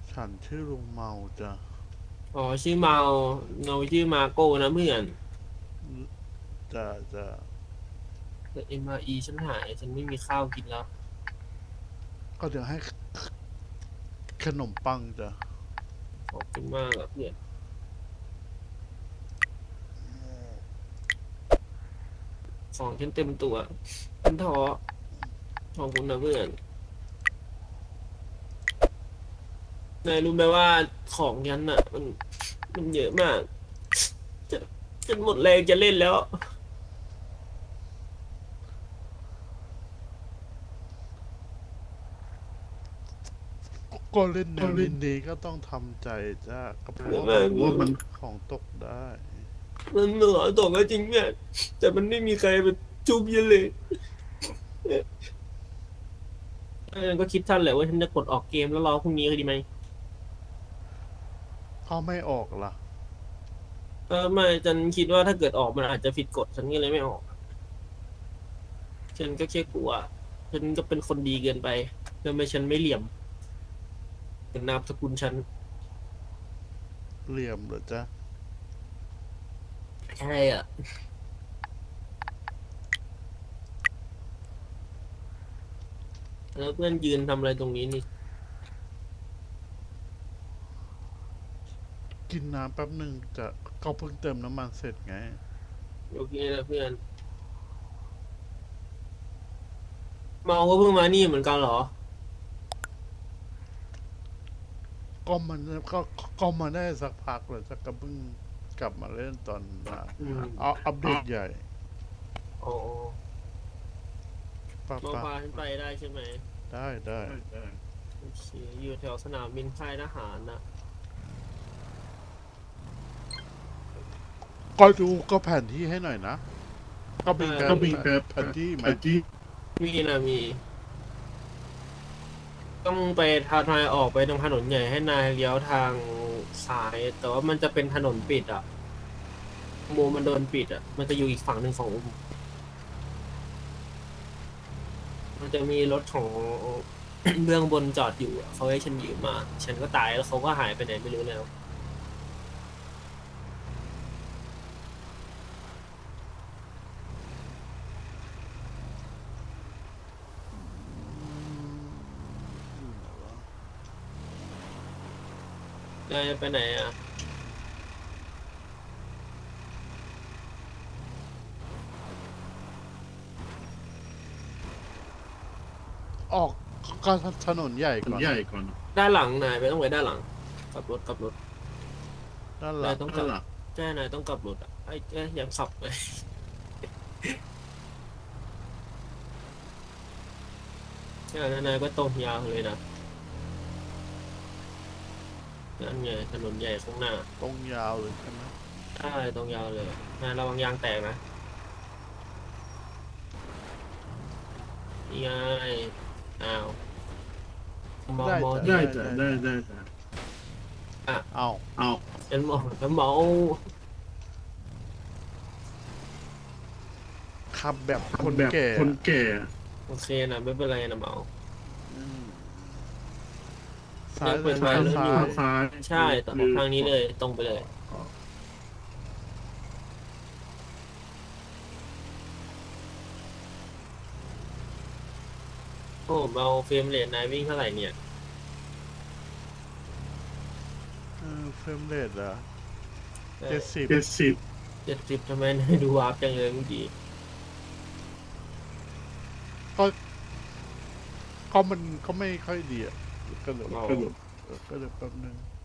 ฉันชื่อลุงเมาจ้ะอ๋อชื่อเมาเงาชื่อมาโก้นะเพื่อนจะแต่MREฉันหายฉันไม่มีข้าวกินแล้วก็เดี๋ยวให้ขนมปังจ้ะขอบคุณมากอะเพื่อนของฉันเต็มตัวฉันท้อขอบคุณนะเพื่อนนายรู้ไหมว่าของฉันอะมันเยอะมากจะฉันหมดแรงจะเล่นแล้วก็เล่นแนวนี้ก็ต้องทำใจจ้ะก็เพราะเยอะว่ามันมากเลยของตกได้มันเหลือตกก็จริงเนี่ยแต่มันไม่มีใครไปจุบยันเลยฉันก็คิดท่านแหละว่าฉันจะกดออกเกมแล้วรอพรุ่งนี้ดีไหมเขาไม่ออกล่ะไม่ฉันคิดว่าถ้าเกิดออกมันอาจจะผิดกฎฉันก็เลยไม่ออกฉันก็แค่กลัวฉันก็เป็นคนดีเกินไปทำไมฉันไม่เหลี่ยมเป็นนามสกุลฉันเหลี่ยมเหรอจ๊ะใช่อ่ะแล้วเพื่อนยืนทำอะไรตรงนี้นี่กินน้ำแป๊บหนึ่งจะก็เพิ่งเติมน้ำมันเสร็จไงโอเคนะเพื่อนเมาก็เพิ่งมานี่เหมือนกันเหรอก็มันก็มาได้สักพักเลยจะก็เพิ่งกลับมาเล่นตอนอืเอามอัปเดตใหญ่อ๋อปะปะมาพาฉันไปได้ใช่ไหมได้โอเคอยู่แถวสนามบินค่ายทหารนะก็ดูก็แผนที่ให้หน่อยนะก็ใช่มีแผนที่ไหมมีนะมีต้องไปนายออกไปตรงถนนใหญ่ให้นายเลี้ยวทางซ้ายแต่ว่ามันจะเป็นถนนปิดอ่ะ อุโมงค์มันโดนปิดอ่ะมันจะอยู่อีกฝั่งหนึ่งของอุโมงค์มันจะมีรถของเบื้องบนจอดอยู่อะเขาให้ฉันยืมมาฉันก็ตายแล้วเขาก็หายไปไหนไม่รู้แล้วนายจะไปไหนอ่ะออกก็ถนนใหญ่ก่อนด้านหลังนายไปต้องไปด้านหลังกลับรถด้านหลังนายต้องกลับใช่นายต้องกลับรถอ่ะไอ้ยังขับไปใช่แล้วนายก็ตรงยาวเลยนะนั่นไงถนนใหญ่ข้างหน้าตรงยาวเลยใช่ไหมใช่ตรงยาวเลยนายระวังยางแตกนะนี่ไงอ้าวมองได้จ้ะมองที่อ่ะเอาฉันมองแล้วเมาขับแบบคนแก่อะโอเคนะไม่เป็นไรนะเมาอืมซ้ายยังเป็นวัเลยนะยรุ่นอยู่ซ้ายใช่แต่ออกทางนี้เลยตรงไปเลยโอ้เมาเฟรมเรทนายวิ่งเท่าไหร่เนี่ยเฟรมเรทอะได้ 70 70ทำไมนายดูวาร์ปจังเลยเมื่อกี้ก็ก็มันก็ไม่ค่อยดีอะก็เลยเมาก็เลยแป๊บนึง